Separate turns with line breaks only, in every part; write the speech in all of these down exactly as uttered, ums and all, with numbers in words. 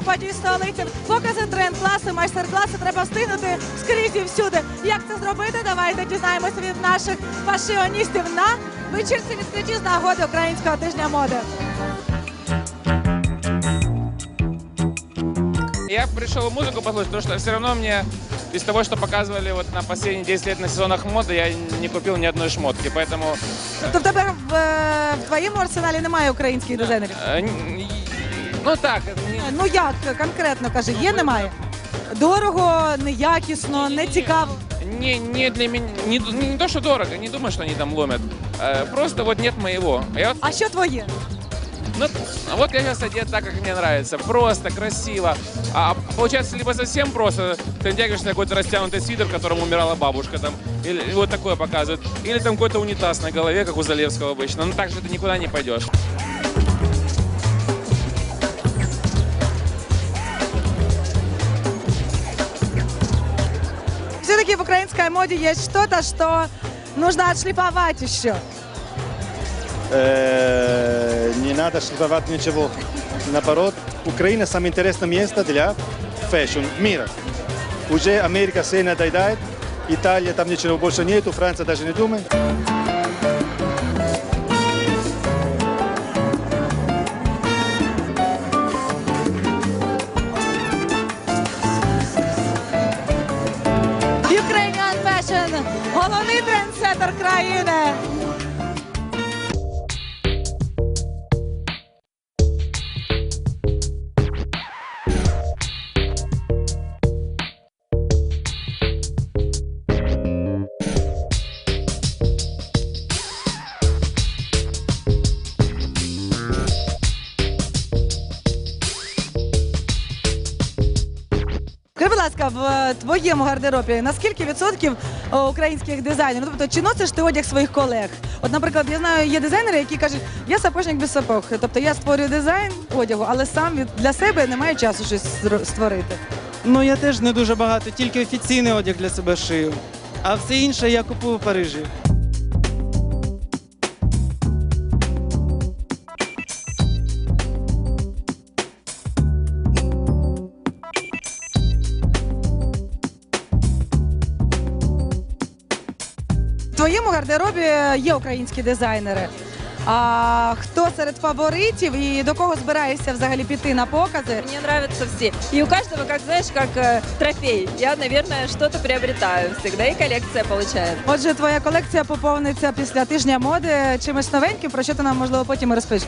потій столиці. Покази, тренд-класи, майстер-класи треба встигнути скрізь і всюди. Як це зробити? Давайте дізнаємося від наших фашіоністів на вечірці відкритті з нагоди Українського тижня моди.
Я пришел музыку послушать, потому что все равно мне из того, что показывали вот на последние десять лет на сезонах моды, я не купил ни одной шмотки, поэтому...
Тобто в тебе в, в твоєму арсеналі немає українських дизайнерів?
Ну так. Не...
Ну як конкретно, каже, є, немає? Дорого, неякісно, не цікаво?
Не, не для меня, не, не то, что дорого, не думаю, что они там ломят. Просто вот нет моего. Я вот...
А що твоє?
Ну, вот я сейчас одет так, как мне нравится. Просто, красиво. А получается, либо совсем просто, ты натягиваешь на какой-то растянутый свитер, в котором умирала бабушка, там, или вот такое показывают. Или там какой-то унитаз на голове, как у Залевского обычно. Ну, так же ты никуда не пойдешь.
Все-таки в украинской моде есть что-то, что нужно отшлифовать еще.
Не надо шлифовать ничего. Наоборот, Украина самое интересное место для фэшн мира. Уже Америка все надоедает, Италия там ничего больше нету, Франция даже не думает.
Ukrainian Fashion – головний трендсеттер країни. Скажи, будь ласка, в твоєму гардеробі наскільки відсотків українських дизайнерів? Ну, тобто, чи носиш ти одяг своїх колег? От, наприклад, я знаю, є дизайнери, які кажуть, я сапожник без сапог. Тобто я створюю дизайн одягу, але сам від, для себе не маю часу щось створити.
Ну, я теж не дуже багато, тільки офіційний одяг для себе шию. А все інше я купую в Парижі.
В твоєму гардеробі є українські дизайнери. А хто серед фаворитів і до кого збираєшся взагалі піти на покази?
Мне нравятся все. И у каждого, как знаешь, как э, трофей. Я, наверное, что-то приобретаю всегда, и коллекция получает.
Отже, твоя колекція поповниться після тижня моди чимось новеньким, про що ти нам, можливо, потім і розпишеш.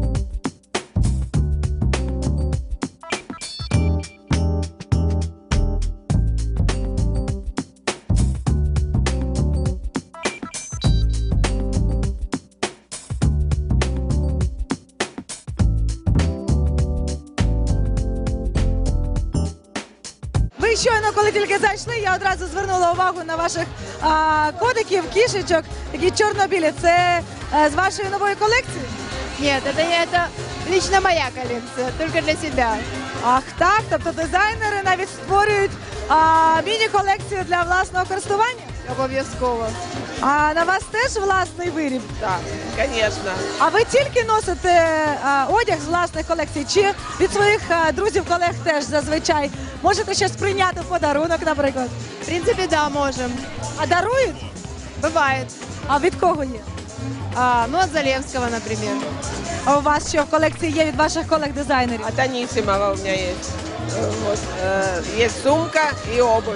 Ви щойно, коли тільки зайшли, я одразу звернула увагу на ваших а, котиків, кішечок, такі чорно-білі. Це а, з вашої нової колекції?
Нет, это не это лично моя коллекция, только для себя.
Ах так, тобто дизайнери навіть створюють а, міні-колекцію для власного користування?
Обов'язково.
А на вас теж власний виріб?
Да, конечно.
А ви тільки носите а, одяг з власних колекцій, чи від своїх а, друзів, колег теж зазвичай можете щось прийняти в подарунок, наприклад?
В принципе, да, можем.
А дарують?
Бывает.
А від кого є?
А, ну, от Залевского, например.
А у вас що в колекції є від ваших колег-дизайнерів?
От Анисимова у меня есть. Э, Вот, э, есть сумка и обувь.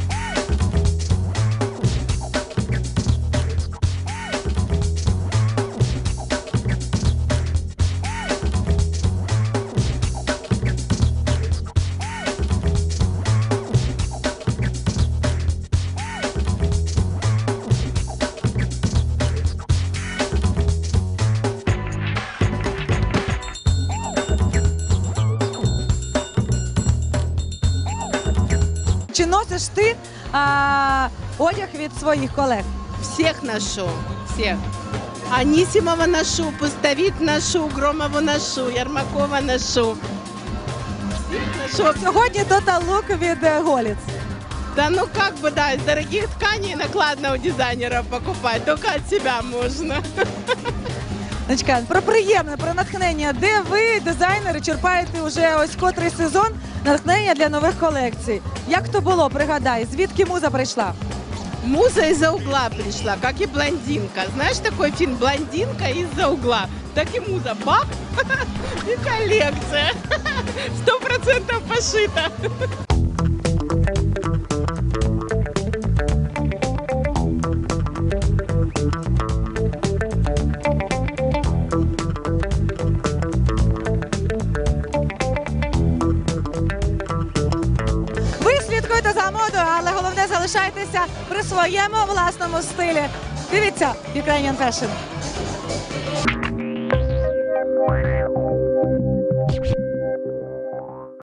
Чи носиш ти а, одяг від своїх колег?
Всех ношу, всех. Анисимова ношу, Пустовик ношу, Громову ношу, Ярмакова ношу. Всех ношу.
Сьогодні Total Look від е, Голіц.
Да ну как бы, да, из дорогих тканей накладно у дизайнеров покупать, только от себя можно.
Дочка, про приємне, про натхнення. Де ви, дизайнери, черпаєте вже ось котрий сезон натхнення для нових колекцій? Як то було, пригадай, звідки муза прийшла?
Муза из-за угла пришла, как и блондинка. Знаешь такой фильм «Блондинка из-за угла»? Так и муза, бах, и коллекция. Сто процентов пошита.
Ви слідкуєте за модою, але головне залишайтеся при своєму власному стилі. Дивіться Ukrainian Fashion.